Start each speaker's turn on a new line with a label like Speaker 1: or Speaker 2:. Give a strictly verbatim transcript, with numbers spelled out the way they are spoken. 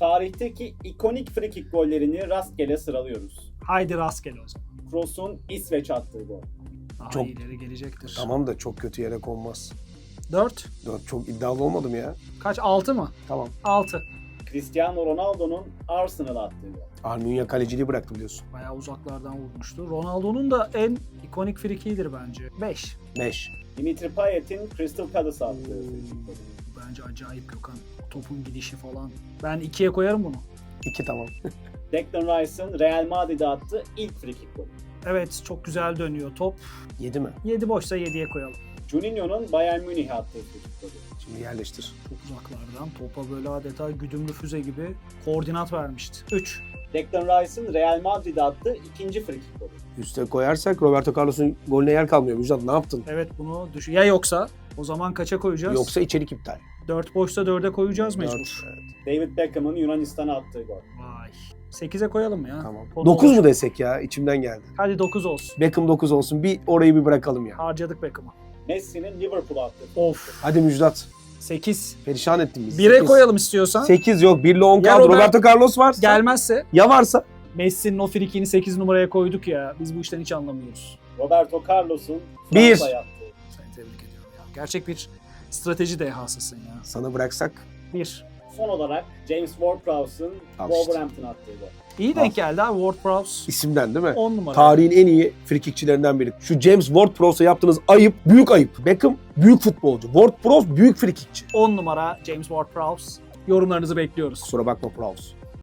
Speaker 1: Tarihteki ikonik frikik gollerini rastgele sıralıyoruz.
Speaker 2: Haydi rastgele o zaman.
Speaker 1: Kroos'un İsveç attığı gol.
Speaker 2: Daha
Speaker 3: Çok-
Speaker 2: ileri gelecektir.
Speaker 3: Tamam da çok kötü yere konmaz.
Speaker 2: dört.
Speaker 3: Dört çok iddialı olmadım ya.
Speaker 2: Kaç? altı mı?
Speaker 3: Tamam.
Speaker 2: altı.
Speaker 1: Cristiano Ronaldo'nun Arsenal'a attığı gol.
Speaker 3: Arnunya kaleciliği bıraktı biliyorsun.
Speaker 2: Bayağı uzaklardan vurmuştu. Ronaldo'nun da en ikonik frikiğidir bence. beş.
Speaker 3: Beş.
Speaker 1: Dimitri Payet'in Crystal Palace'a attığı frikik golü.
Speaker 2: Bence acayip Gökhan. Topun gidişi falan. Ben ikiye koyarım bunu.
Speaker 3: İki tamam.
Speaker 1: Declan Rice'ın Real Madrid'e attığı ilk frikik golü.
Speaker 2: Evet, çok güzel dönüyor top.
Speaker 3: Yedi mi?
Speaker 2: yedi boşsa yediye koyalım.
Speaker 1: Juninho'nun Bayern Münih'e attığı frikik golü.
Speaker 3: Şimdi yerleştir.
Speaker 2: Çok uzaklardan topa böyle adeta güdümlü füze gibi koordinat vermişti. üç.
Speaker 1: Declan Rice'ın Real Madrid'e attığı ikinci frikik golü.
Speaker 3: Üste koyarsak Roberto Carlos'un golüne yer kalmıyor. Müjdat ne yaptın?
Speaker 2: Evet, bunu düşün. Ya yoksa o zaman kaça koyacağız?
Speaker 3: Yoksa içerik iptal.
Speaker 2: dört boşsa dörde koyacağız mecbur.
Speaker 3: Dört, evet.
Speaker 1: David Beckham'ın Yunanistan'a attığı gol.
Speaker 2: Vay. sekize koyalım mı ya?
Speaker 3: Tamam.
Speaker 2: Konu
Speaker 3: dokuz
Speaker 2: olur.
Speaker 3: mu desek ya? İçimden geldi.
Speaker 2: Hadi dokuz olsun.
Speaker 3: Beckham dokuz olsun. Bir orayı bir bırakalım ya.
Speaker 2: Harcadık Beckham'ı.
Speaker 1: Messi'nin Liverpool'a attığı frikik
Speaker 2: Of.
Speaker 3: Hadi Müjdat.
Speaker 2: sekiz.
Speaker 3: Perişan ettin bizi.
Speaker 2: bire
Speaker 3: Sekiz.
Speaker 2: koyalım istiyorsan.
Speaker 3: sekiz yok. bir ile on
Speaker 2: Ya
Speaker 3: kaldı.
Speaker 2: Robert-
Speaker 3: Roberto Carlos varsa.
Speaker 2: Gelmezse
Speaker 3: Ya varsa.
Speaker 2: Messi'nin o frikiğini sekiz numaraya koyduk ya. Biz bu işten hiç anlamıyoruz.
Speaker 1: Roberto Carlos'un
Speaker 3: Bir.
Speaker 1: Fransa'ya attığı.
Speaker 2: Seni tebrik ediyorum ya. Gerçek bir strateji dehasısın ya.
Speaker 3: Sana bıraksak.
Speaker 2: bir.
Speaker 1: Son olarak James Ward-Prowse'ın
Speaker 3: Al işte.
Speaker 1: Wolverhampton'a attığı gol.
Speaker 2: İyi denk geldi ha Ward-Prowse.
Speaker 3: İsimden değil mi?
Speaker 2: on numara.
Speaker 3: Tarihin en iyi frikikçilerinden biri. Şu James Ward-Prowse'a yaptığınız ayıp, büyük ayıp. Beckham büyük futbolcu. Ward-Prowse büyük frikikçi.
Speaker 2: on numara James Ward-Prowse. Yorumlarınızı bekliyoruz.
Speaker 3: Kusura bakma Prowse.